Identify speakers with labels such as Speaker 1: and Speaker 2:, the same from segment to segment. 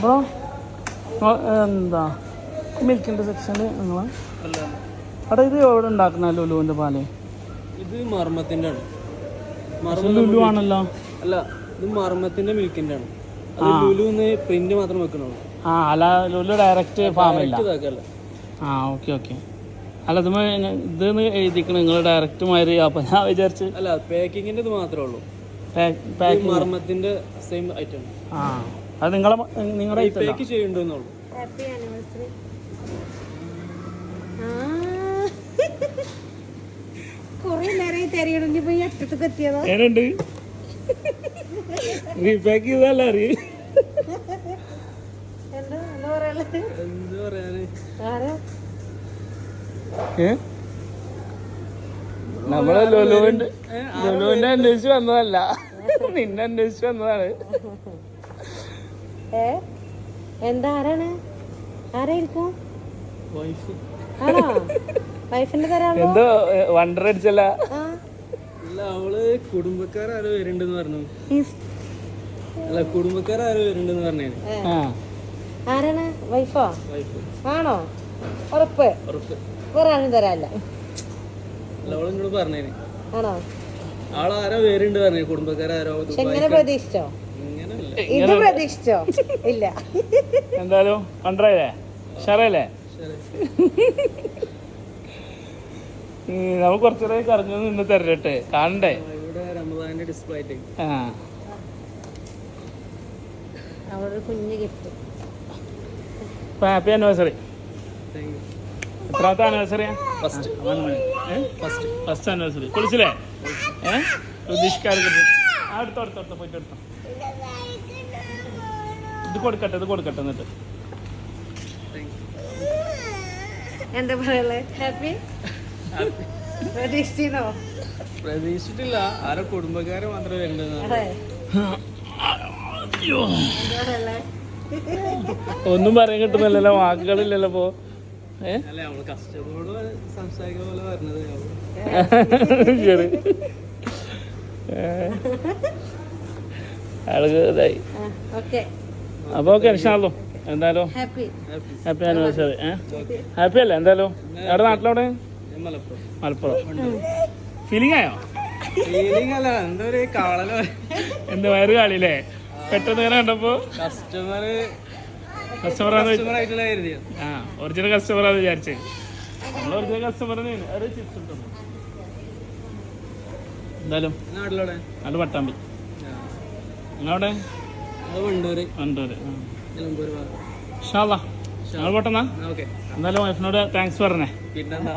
Speaker 1: അപ്പോൾ എന്താ മിൽക്കിൻ്റെ സെക്ഷന് നിങ്ങൾ
Speaker 2: അല്ല
Speaker 1: അവിടെ ഇത് എവിടെ ഉണ്ടാക്കുന്ന ലുലുവിൻ്റെ പാല്?
Speaker 2: ഇത് മർമ്മത്തിൻ്റെ ആണ്.
Speaker 1: ലുലു ആണല്ലോ.
Speaker 2: അല്ല ഇത് മർമ്മത്തിൻ്റെ മിൽക്കിൻ്റെ ആണ്. അത് ലുലുന്ന് പ്രിന്റ് മാത്രം വെക്കണുള്ളൂ.
Speaker 1: ആ അല്ല ലുലു ഡയറക്റ്റ് ഫാമില്ല.
Speaker 2: ഇതാക്കല്ല.
Speaker 1: ആ ഓക്കെ ഓക്കെ. അല്ല ഇതെന്ന് എഴുതിക്കണം നിങ്ങൾ ഡയറക്റ്റ് മാതിരി. അപ്പം ഞാൻ വിചാരിച്ച്
Speaker 2: അല്ല പാക്കിങ്ങിൻ്റെ ഇത് മാത്രമേ ഉള്ളൂ. മർമ്മത്തിൻ്റെ സെയിം ഐറ്റം.
Speaker 1: ആ അത് നിങ്ങളുടെ
Speaker 2: പാക്ക് ചെയ്യണ്ടെന്നുള്ളൂ.
Speaker 1: എന്നുണ്ട് റീപാക്ക് ചെയ്തല്ല അറിയ
Speaker 2: എന്ത് പറയാന്
Speaker 1: നമ്മള് ലുലുവിന്റെ അന്വേഷിച്ച് വന്നതല്ല, നിന്നെ അന്വേഷിച്ച് വന്നതാണ്.
Speaker 3: എന്താ ആരാണ്? ആരായിരിക്കും?
Speaker 1: എന്തോ വണ്ടർ അടിച്ചല്ല.
Speaker 2: അല്ല അവള് കുടുംബക്കാരും വരുന്നുണ്ടെന്ന് പറഞ്ഞു. അല്ല കുടുംബക്കാരും വരുന്നുണ്ടെന്ന് പറഞ്ഞേ.
Speaker 3: ആരാണ്? വൈഫോ? ആണോ? ഉറപ്പ്? വേറെ ആരും തരാല്ല.
Speaker 2: അല്ല അവളെന്നോട് പറഞ്ഞേന്.
Speaker 3: ആണോ?
Speaker 2: ആളാരോ വരുന്നുണ്ട് പറഞ്ഞു. കുടുംബക്കാരോ.
Speaker 3: എങ്ങനെ പ്രതീക്ഷിച്ചോ? ഇത് പ്രതീക്ഷിച്ചോ? ഇല്ല.
Speaker 1: എന്തായാലും വണ്ടറല്ലേ ഷറല്ലേ നമുക്ക് കുറച്ചുകൂടെ കറങ്ങി നിന്ന് തരട്ടെ, കാണണ്ടേ?
Speaker 3: കുഞ്ഞു ഗിഫ്റ്റ്.
Speaker 1: Happy anniversary. എത്രാമത്തെ ആനിവേഴ്സറിയാ? First anniversary. കുളിച്ചില്ലേ? പ്രതീക്ഷിക്കാതെ അടുത്തടുത്തടുത്ത പോയിട്ട് എടുത്തോ. ഇത് കൊടുക്കട്ടെ എന്നിട്ട്
Speaker 3: എന്താ പറയല്ലേ? ഹാപ്പി
Speaker 2: പ്രതീക്ഷിച്ചിട്ടില്ല. ആരോ കുടുംബക്കാരെ മാത്രമേ വരുന്നുണ്ടെന്ന്.
Speaker 1: ഒന്നും പറയാൻ കിട്ടുന്നില്ലല്ലോ, വാക്കുകളില്ലല്ലോ. ഇപ്പോ
Speaker 2: കസ്റ്റമറോട് സംസാരിക്കുന്ന പോലെ പറഞ്ഞത്.
Speaker 1: ശരി ആൾക്ക് ഇതായി. അപ്പൊ ഓക്കെ ഇൻഷാല്ലോ. എന്തായാലും ഹാപ്പി ആനിവേഴ്സറി. ഹാപ്പി അല്ലേ? എന്തായാലും എവിടെ നാട്ടിലെവിടെ? മലപ്പുറം. ഫീലിംഗ് ആയോ? എന്താ വയറ് കാളില്ലേ പെട്ടെന്ന് ഇങ്ങനെ കണ്ടപ്പോ? കസ്റ്റമറാന്ന് ഒറിജിനൽ കസ്റ്റമറാന്ന് വിചാരിച്ചേ. നമ്മൾ ഒറിജിനൽ കസ്റ്റമർ എന്തായാലും നാട് പട്ടാമ്പി. നിങ്ങളവിടെ? വണ്ടൂര്. ഞങ്ങൾ പോട്ടെന്നാ. എന്തായാലും വൈഫിനോട് താങ്ക്സ് പറഞ്ഞേ.
Speaker 2: പിന്നെന്താ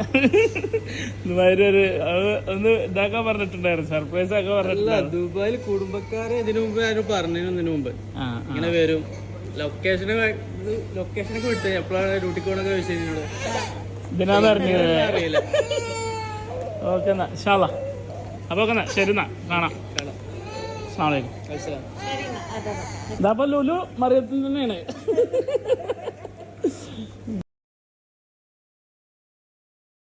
Speaker 1: ഒന്ന് ഇതാക്കാൻ പറഞ്ഞിട്ടുണ്ടായിരുന്നു, സർപ്രൈസ് ആക്കാൻ പറഞ്ഞിട്ടില്ല.
Speaker 2: ദുബായിൽ കുടുംബക്കാരെ ഇതിനു മുമ്പ് ആരും പറഞ്ഞതിന് മുമ്പ് ഇങ്ങനെ വരും. ലൊക്കേഷനൊക്കെ വിട്ട് എപ്പോഴാണ് ഡ്യൂട്ടിക്ക് പോകണൊക്കെ ചോദിച്ചതിനോട്
Speaker 1: ഇതിനാന്ന് അറിയില്ല. ഓക്കെ എന്നാ ഇൻഷാല്ലാ. അപ്പൊ ഓക്കെ എന്നാ ശരി എന്നാ കാണാം. അസ്സലാമു അലൈക്കും. ഇതാ ലുലു മറിയത്തിൽ തന്നെയാണ്.